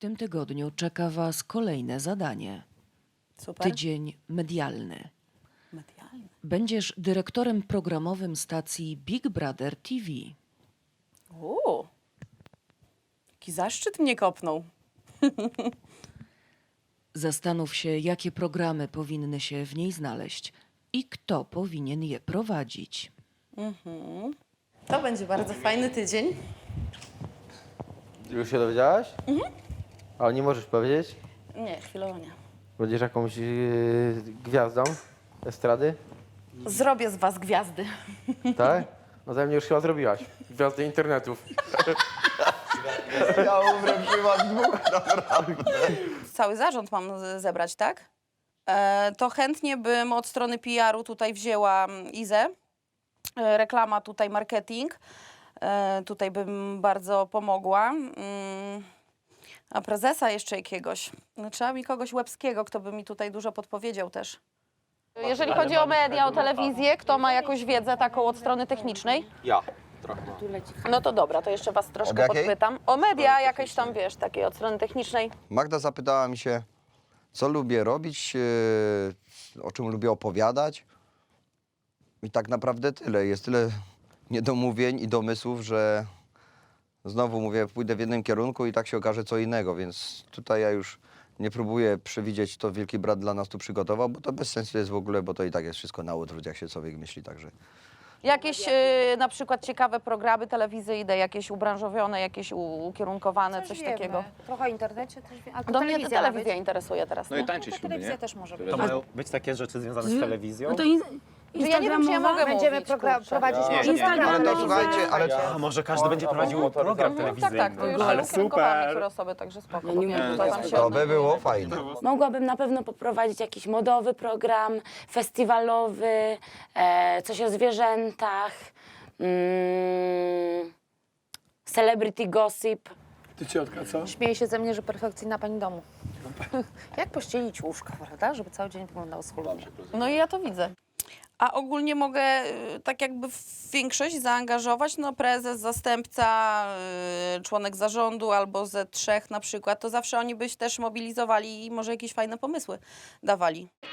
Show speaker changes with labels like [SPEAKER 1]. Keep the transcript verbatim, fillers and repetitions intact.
[SPEAKER 1] tym tygodniu czeka Was kolejne zadanie.
[SPEAKER 2] Super.
[SPEAKER 1] Tydzień medialny.
[SPEAKER 2] Medialny.
[SPEAKER 1] Będziesz dyrektorem programowym stacji Big Brother T V.
[SPEAKER 2] Uuu. Jaki zaszczyt mnie kopnął.
[SPEAKER 1] Zastanów się, jakie programy powinny się w niej znaleźć i kto powinien je prowadzić.
[SPEAKER 2] Mhm. To będzie bardzo fajny tydzień.
[SPEAKER 3] Już się dowiedziałaś? Mhm. Ale nie możesz powiedzieć?
[SPEAKER 2] Nie, chwilowo nie.
[SPEAKER 3] Będziesz jakąś yy, gwiazdą estrady?
[SPEAKER 2] Zrobię z was gwiazdy.
[SPEAKER 3] Tak? No ze mnie już chyba zrobiłaś. Gwiazdy internetów.
[SPEAKER 4] Ja umrę przy was dwóch, naprawdę.
[SPEAKER 2] Cały zarząd mam z- zebrać, tak? E, to chętnie bym od strony P R u tutaj wzięła mm, Izę. E, reklama tutaj, marketing. E, tutaj bym bardzo pomogła. Mm, a prezesa jeszcze jakiegoś. No, trzeba mi kogoś łebskiego, kto by mi tutaj dużo podpowiedział też. Jeżeli chodzi o media, o telewizję, kto ma jakąś wiedzę taką od strony technicznej?
[SPEAKER 3] Ja. Trochę.
[SPEAKER 2] No to dobra, to jeszcze was troszkę
[SPEAKER 4] Od jakiej?
[SPEAKER 2] podpytam. O media jakieś tam, wiesz, takiej od strony technicznej.
[SPEAKER 4] Magda zapytała mi się, co lubię robić, yy, o czym lubię opowiadać. I tak naprawdę tyle. Jest tyle niedomówień i domysłów, że znowu mówię, pójdę w jednym kierunku i tak się okaże co innego, więc tutaj ja już nie próbuję przewidzieć, co Wielki Brat dla nas tu przygotował, bo to bez sensu jest w ogóle, bo to i tak jest wszystko na odwrót, jak się człowiek myśli, także...
[SPEAKER 2] Jakieś e, na przykład ciekawe programy telewizyjne, jakieś ubranżowione, jakieś u, ukierunkowane, coś,
[SPEAKER 5] wiemy.
[SPEAKER 2] takiego.
[SPEAKER 5] Trochę o internecie też wiem. A
[SPEAKER 2] Do mnie
[SPEAKER 5] telewizja ma
[SPEAKER 2] telewizja
[SPEAKER 5] być.
[SPEAKER 2] interesuje teraz.
[SPEAKER 6] No
[SPEAKER 2] nie?
[SPEAKER 6] i tańczyć lubię,
[SPEAKER 5] Telewizja
[SPEAKER 6] nie?
[SPEAKER 5] też może być.
[SPEAKER 6] To mają być takie rzeczy związane z telewizją?
[SPEAKER 7] No to in,
[SPEAKER 2] Że ja nie wiem, czy ja mogę
[SPEAKER 5] Będziemy
[SPEAKER 2] mówić,
[SPEAKER 5] program,
[SPEAKER 2] kurczę.
[SPEAKER 5] prowadzić
[SPEAKER 6] Nie,
[SPEAKER 5] może
[SPEAKER 6] nie, nie.
[SPEAKER 5] program
[SPEAKER 4] Ale to
[SPEAKER 5] telewizyjny.
[SPEAKER 4] słuchajcie, ale...
[SPEAKER 6] A może każdy będzie prowadził program
[SPEAKER 2] No, tak,
[SPEAKER 6] telewizyjny?
[SPEAKER 2] tak, to już
[SPEAKER 6] Ale
[SPEAKER 2] ukierunkowane
[SPEAKER 6] super!
[SPEAKER 2] niektóre osoby, także spoko.
[SPEAKER 7] Ja nie
[SPEAKER 2] powiem,
[SPEAKER 7] wiem,
[SPEAKER 2] że tam się-
[SPEAKER 4] To by było fajne.
[SPEAKER 7] Mogłabym na pewno poprowadzić jakiś modowy program, festiwalowy, e, coś o zwierzętach, mm, celebrity gossip.
[SPEAKER 8] Ty ciotka, co?
[SPEAKER 5] Śmieje się ze mnie, że perfekcyjna pani domu. Jak pościelić łóżka, prawda? Żeby cały dzień wyglądał schludnie.
[SPEAKER 2] No i ja to widzę. A ogólnie mogę y, tak jakby w większość zaangażować, no prezes, zastępca, y, członek zarządu albo ze trzech na przykład, to zawsze oni byś też mobilizowali i może jakieś fajne pomysły dawali.